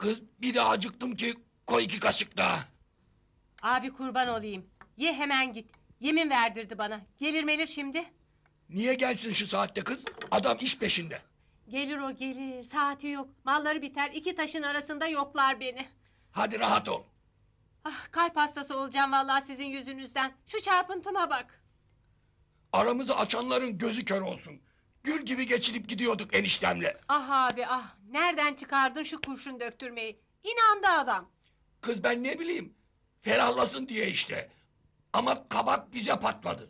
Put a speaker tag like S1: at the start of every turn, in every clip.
S1: Kız bir de acıktım ki koy 2 kaşık daha.
S2: Abi kurban olayım. Ye hemen git. Yemin verdirdi bana. Gelir melir şimdi.
S1: Niye gelsin şu saatte kız? Adam iş peşinde.
S2: Gelir o gelir. Saati yok. Malları biter. 2 taşın arasında yoklar beni.
S1: Hadi rahat ol.
S2: Ah, kalp hastası olacağım vallahi sizin yüzünüzden. Şu çarpıntıma bak.
S1: Aramızı açanların gözü kör olsun. Gül gibi geçinip gidiyorduk eniştemle.
S2: Ah abi ah. Nereden çıkardın şu kurşun döktürmeyi? İnandı adam.
S1: Kız ben ne bileyim. Ferahlasın diye işte. Ama kabak bize patladı.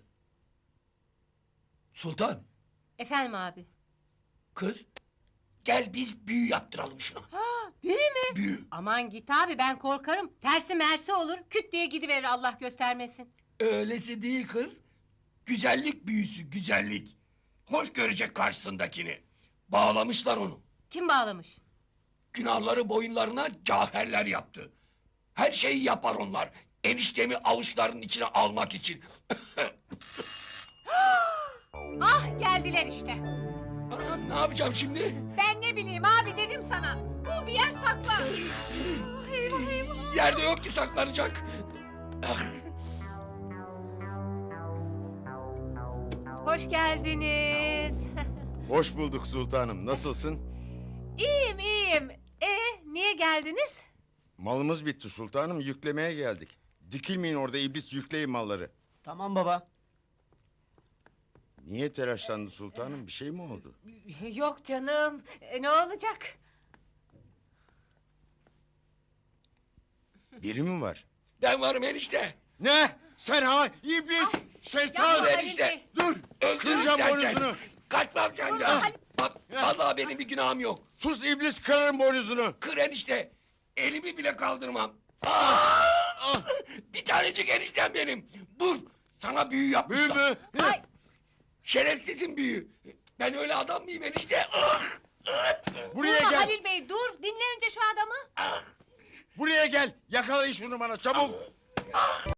S1: Sultan,
S2: Efendim abi.
S1: kız gel biz büyü yaptıralım şuna.
S2: Ha, büyü mü?
S1: Büyü.
S2: Aman git abi ben korkarım. Tersi mersi olur. Küt diye gidiverir Allah göstermesin.
S1: Öylesi değil kız. Güzellik büyüsü, güzellik. Hoş görecek karşısındakini. Bağlamışlar onu.
S2: Kim bağlamış?
S1: Günahları boyunlarına cauherler yaptı. Her şeyi yapar onlar. Eniştemi avuçlarının içine almak için.
S2: Ah geldiler işte.
S1: Anam, ne yapacağım şimdi?
S2: Ben ne bileyim abi dedim sana. Bul bir yer sakla. Ah, eyvah eyvah.
S1: Yerde yok ki saklanacak. Ah,
S2: Hoş geldiniz.
S3: Hoş bulduk sultanım. Nasılsın?
S2: İyiyim iyiyim. Niye geldiniz?
S3: Malımız bitti sultanım. Yüklemeye geldik. Dikilmeyin orada iblis, yükleyin malları.
S4: Tamam baba.
S3: Niye telaşlandı sultanım? Bir şey mi oldu?
S2: Yok canım. Ne olacak?
S3: Biri mi var?
S1: ben varım enişte.
S3: Ne? Sen ha? İblis! Şeytan!
S2: Yapma
S1: enişte.
S2: Halil Bey.
S3: Dur!
S1: Öldür
S3: Kıracağım
S1: istersen.
S3: boynuzunu!
S1: Kaçmam
S2: Durma
S1: senden.
S2: Halil.
S1: Bak vallahi benim bir günahım yok.
S3: Sus iblis, kırarım boynuzunu!
S1: Kır enişte. Elimi bile kaldırmam. Ah! Bir tanecik eniştem benim. Dur. Sana büyü
S3: Büyü
S1: yapmışlar.
S3: mü?
S2: Ay,
S1: Şerefsizin büyü. Ben öyle adam mıyım enişte? Ah!
S3: Buraya
S2: durma
S3: gel!
S2: Halil Bey dur. Dinle önce şu adamı.
S3: Buraya gel! Yakalayın şunu bana çabuk!